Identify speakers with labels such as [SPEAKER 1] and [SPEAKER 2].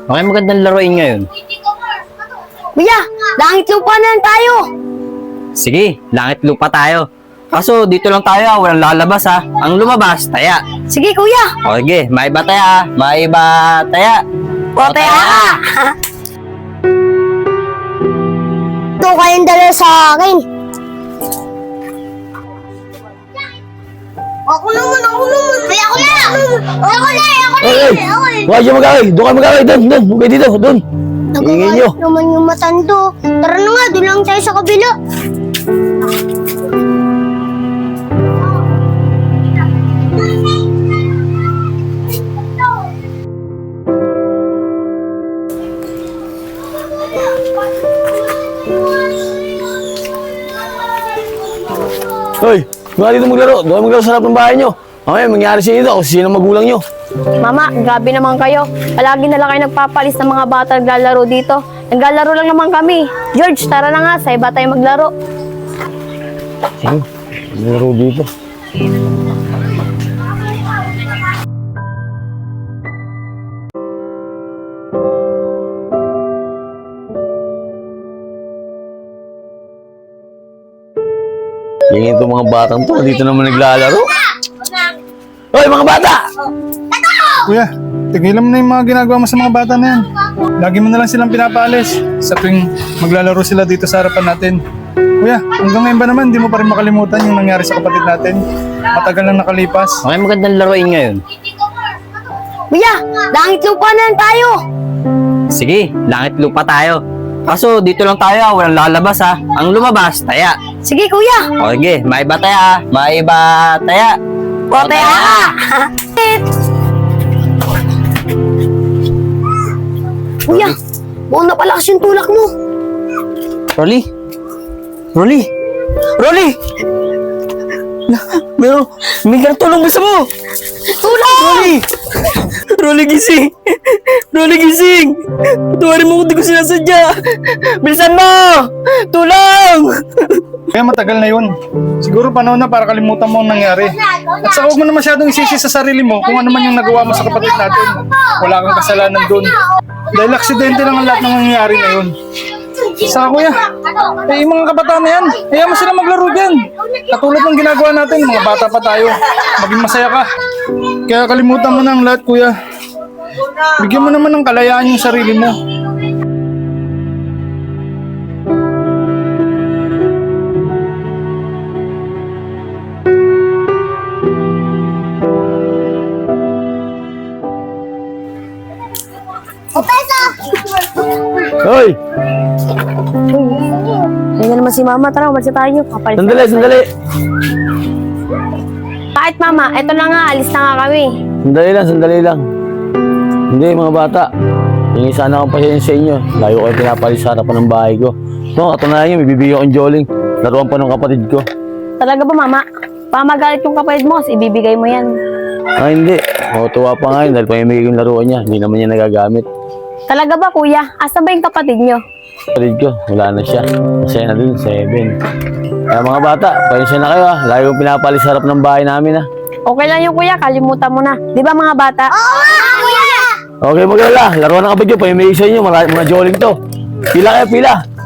[SPEAKER 1] Okay, magandang laruin ngayon.
[SPEAKER 2] Kuya, langit lupa na lang tayo.
[SPEAKER 1] Sige, langit lupa tayo. Kaso dito lang tayo, walang lalabas ha. Ang lumabas, taya.
[SPEAKER 2] Sige kuya.
[SPEAKER 1] O sige, maiba taya, maiba taya.
[SPEAKER 2] O taya ka. Ito kayong dala sa akin. Ako naman. Ay, ako na.
[SPEAKER 3] Huwag siya mag-away. Doon kayo mag-away. Doon. Huwag kayo dito. Doon. Ingin nyo.
[SPEAKER 2] Nagkakalit naman yung matando. Tara na nga, doon lang tayo sa kabila.
[SPEAKER 3] Hoy, mga dito maglaro. Doon kayo maglaro sa harap ng bahay nyo. Mamaya, mangyari sa inyo kung sino magulang nyo.
[SPEAKER 4] Mama, grabe naman kayo. Palagi na lang kayo nagpapalis ng mga bata naglalaro dito. Naglalaro lang naman kami. George, tara na nga, sa iba tayo maglaro.
[SPEAKER 3] Sige, maglaro dito. Yung itong mga batang to, dito naman naglalaro. Hoy, mga bata!
[SPEAKER 5] Kuya, tigilan mo na yung mga ginagawa mo sa mga bata na yan. Lagi mo na lang silang pinapaalis sa tuwing maglalaro sila dito sa harapan natin. Kuya, hanggang ngayon ba naman, di mo pa rin makalimutan yung nangyari sa kapatid natin? Matagal lang nakalipas.
[SPEAKER 1] Okay, magandang laruin ngayon.
[SPEAKER 2] Kuya, langit lupa na lang tayo.
[SPEAKER 1] Sige, langit lupa tayo. Kaso dito lang tayo, walang lalabas ha. Ang lumabas, taya.
[SPEAKER 2] Sige kuya.
[SPEAKER 1] O sige, maiba taya, maiba taya.
[SPEAKER 2] O taya ka. Kuya, buong napalakas yung tulak mo.
[SPEAKER 1] Rolly? Rolly? Rolly! Pero, may tulong gusto mo!
[SPEAKER 2] Tulak!
[SPEAKER 1] Rolly! Rolly, gising! Rolly, gising! Patuwarin mo kung di ko sinasadya! Bilisan mo! Tulong!
[SPEAKER 5] Kaya matagal na yun. Siguro panahon na para kalimutan mo ang nangyari. At saka huwag mo na masyadong isisi sa sarili mo kung ano man yung nagawa mo sa kapatid natin. Wala kang kasalanan dun. Dahil aksidente lang ang lahat ng nangyari na yun. Saka kuya, yung mga kabataan na yan, hayaan mo sila maglaro dyan. Katulad ng ginagawa natin, mga bata pa tayo. Maging masaya ka. Kaya kalimutan mo na ang lahat kuya. Bigyan mo naman ng kalayaan yung sarili mo.
[SPEAKER 3] Hoy!
[SPEAKER 4] Ayun na naman si Mama, tara, umalis na tayo. Papalis na.
[SPEAKER 3] Sandali.
[SPEAKER 4] Kahit Mama, eto na nga, alis na nga kami.
[SPEAKER 3] Sandali lang. Hindi, mga bata. Hingi sana akong pasensya sa inyo. Layo kayo pinapalis sa harapan ng bahay ko. No, katunayan nyo, may bibigyan akong joling. Laruan pa ng kapatid ko.
[SPEAKER 4] Talaga ba Mama? Pamagalit yung kapatid mo, ibibigay mo yan.
[SPEAKER 3] Ah, hindi. Matuwa pa nga yun dahil pamimigay yung laruan niya. Hindi naman niya nagagamit.
[SPEAKER 4] Talaga ba Kuya? Asa ba yung kapatid nyo?
[SPEAKER 3] Kapatid ko, wala na siya. Masaya na dun, 7. Kaya mga bata, pasensya na kayo ah. Lagi kong pinapalis sa harap ng bahay namin ah.
[SPEAKER 4] Okay lang yung Kuya, kalimutan mo na. Di ba mga bata?
[SPEAKER 3] Okay, maglala. Laruan ng kapatid ko, pamimigay sa inyo. Mga joling to. Pila kayo, pila.